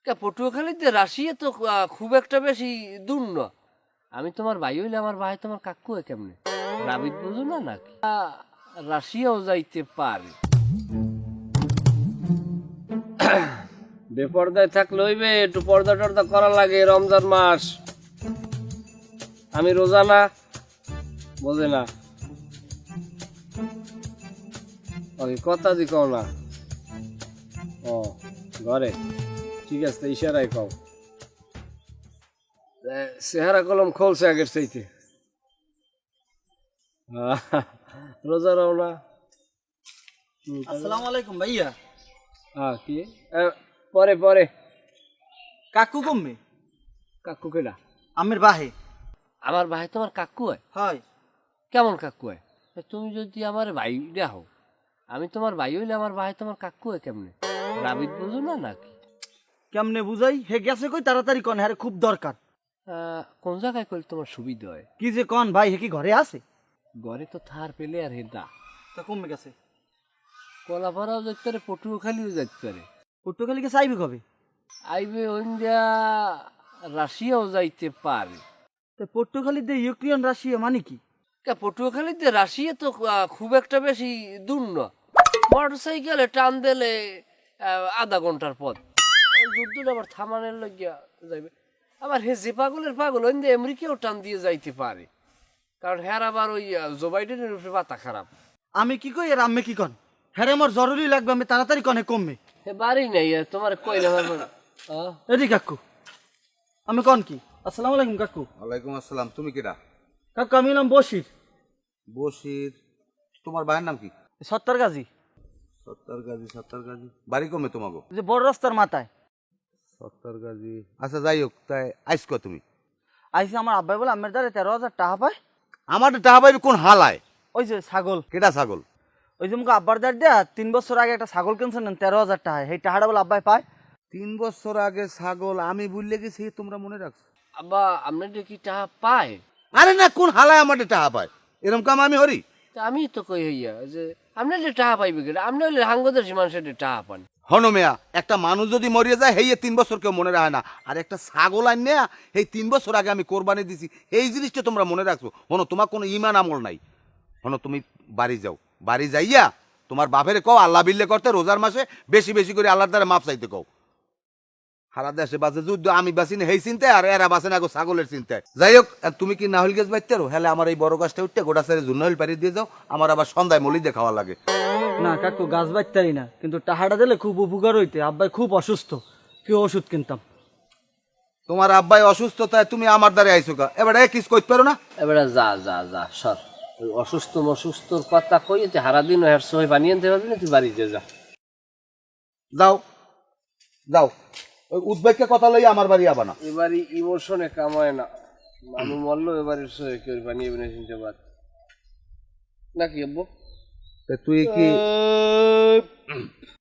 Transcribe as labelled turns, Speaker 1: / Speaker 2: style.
Speaker 1: পটুয়াখালীতে Russia তো খুব একটা বেশি দূর না। আমি তোমার ভাই হইলে আমার ভাই তোমার কাকু হয় কেমনে? রাবিদ বুঝো না নাকি? রাশিয়াও যাইতে পারে। বেপর্দায় থাকলে হইবে, একটু পর্দা টর্দা করা লাগে। রমজান মাস, আমি রোজা না, বোঝে না। ওই কথা দি কও না। ও ঘরে, ঠিক আছে, ইশারায় কও। চেহারা কলম খোলছে আগের চাইতে। রোজা রাও না।
Speaker 2: আসসালামু আলাইকুম ভাইয়া।
Speaker 1: হ্যাঁ কি পরে পরে
Speaker 2: কাকু কমবে?
Speaker 1: কাকু কেডা?
Speaker 2: আমের বাহে।
Speaker 1: আমার ভাই তোমার কাকু হয়?
Speaker 2: হয়।
Speaker 1: কেমন কাকু হয়? তুমি যদি আমার ভাই হও, আমি তোমার ভাই হইলে আমার ভাই তোমার কাকু হয় কেমনে? রাবিদ বুঝো না নাকি?
Speaker 2: কেমনে বুঝাই? হে গেছে কই, তাড়াতাড়ি কন, হ্যাঁ খুব দরকার।
Speaker 1: কোন জায়গায় করলে তোমার সুবিধা হয়?
Speaker 2: কি যে কন ভাই, হে কি ঘরে আছে?
Speaker 1: ঘরে তো থার পেলে আর হেডা
Speaker 2: তা কমবে গেছে।
Speaker 1: কলাপাড়াও যেতে পারে, পটুয়াখালীও যেতে পারে।
Speaker 2: পটুয়াখালীকে চাইবি কবে?
Speaker 1: আইবে ইন্ডিয়া, রাশিয়াও যাইতে পারে।
Speaker 2: তা পটুয়াখালীতে ইউক্রেন রাশিয়া মানে কি?
Speaker 1: পটুয়াখালীতে রাশিয়া তো খুব একটা বেশি দূর না। মোটর সাইকেলে টান দিলে আধা ঘন্টার পথ। ওই যুদ্ধটা আবার থামানোর লাগিয়া যাইবে। আবার হে যে পাগলের পাগল ওই আমেরিকাও টান দিয়ে যাইতে পারে, কারণ হ্যার আবার ওই জো বাইডেনের উপরে মাথা খারাপ।
Speaker 2: আমি কি কই আর আম্মে কি কন? হ্যাঁ আমার জরুরি লাগবে, আমি তাড়াতাড়ি কনে কমবে।
Speaker 1: হে বাড়ি নাই তোমার কইলে পারবো না।
Speaker 2: এদি কাকু, আমি কন কি? আসসালামু আলাইকুম কাকু।
Speaker 3: ওয়ালাইকুম আসসালাম। তুমি কিরা?
Speaker 2: কাকু আমি নাম বশির।
Speaker 3: বশির? তোমার ভাইয়ের নাম কি?
Speaker 2: সত্তর গাজী।
Speaker 3: সত্তর গাজী। সত্তর গাজী বাড়ি কমে তোমাকে?
Speaker 2: যে বড় রাস্তার মাথায়।
Speaker 3: সত্তর গাজী, আচ্ছা যাই হোক। তাই আইস কো তুমি?
Speaker 2: আইসি আমার আব্বাই বলে আমের দ্বারে 13,000 টাকা পায়।
Speaker 3: আমার টাকা পাইবে কোন হালায়?
Speaker 2: ওই যে ছাগল।
Speaker 3: কেটা ছাগল?
Speaker 2: ওই যে মুখে আব্বার দ্বার দেয়া 3 বছর আগে একটা ছাগল কিনছেন 13,000 টাকা, সেই টাকাটা বলে আব্বাই পায়।
Speaker 3: 3 বছর আগে ছাগল? আমি ভুলে গেছি, তোমরা মনে রাখছো?
Speaker 1: আব্বা আপনাদের কি টাকা পায়?
Speaker 3: আরে না, কোন হালায় আমার টাকা পায়? এরকম কাম আমি হরি?
Speaker 1: তা আমি তো কই হইয়া যে আপনাদের টাকা পাইবে কেন? আপনি হইলে হাঙ্গদেশি মানুষের টাকা পান।
Speaker 3: হনো মেয়া, একটা মানুষ যদি মরিয়ে যায় হেয়ে 3 বছর কেউ মনে রাখে না। আর একটা ছাগল আন নেয়া এই 3 বছর আগে আমি কোরবানি দিছি, এই জিনিসটা তোমরা মনে রাখছো? হনো, তোমার কোনো ইমান আমল নাই। হনো, তুমি বাড়ি যাও, বাড়ি যাইয়া তোমার বাপের কও আল্লাহ বিল্লে করতে, রোজার মাসে বেশি বেশি করে আল্লাহর দ্বারা মাপ চাইতে কও। সারা দেশে বাজে যুদ্ধ, আমি বাঁচি না এই চিন্তায়, আর এরা বাঁচে না গো ছাগলের চিন্তায়। যাই হোক, আর তুমি কি নাহল গেছ বাইতে রো? হলে আমার এই বড় গাছটা উঠতে গোটা সারে জুন্নহল পাড়ি দিয়ে যাও, আমার আবার সন্ধ্যায় মলি দিয়ে খাওয়া লাগে।
Speaker 2: না কাকু, গাছ বাঁচতারি না, কিন্তু টাকাটা দিলে খুব উপকার হইতে। আব্বাই খুব অসুস্থ, কি ওষুধ কিনতাম।
Speaker 3: তোমার আব্বাই অসুস্থতায় তুমি আমার দ্বারে আইসো কা? এবার কিস করতে পারো না?
Speaker 1: এবারে যা যা যা সর। ওই অসুস্থর কথা কই হারাদিন হের সবাই বানিয়ে আনতে পারবি না, তুই বাড়িতে যা।
Speaker 3: যাও যাও, ওই উদ্বেগকে কথা লই আমার বাড়ি আবা না।
Speaker 1: এবারই ইমোশনে কামায় না, মানুষ মরলো এবারে সবাই কেউ বানিয়ে বিনে চিনতে পার নাকি আব্বু?
Speaker 3: তুই কি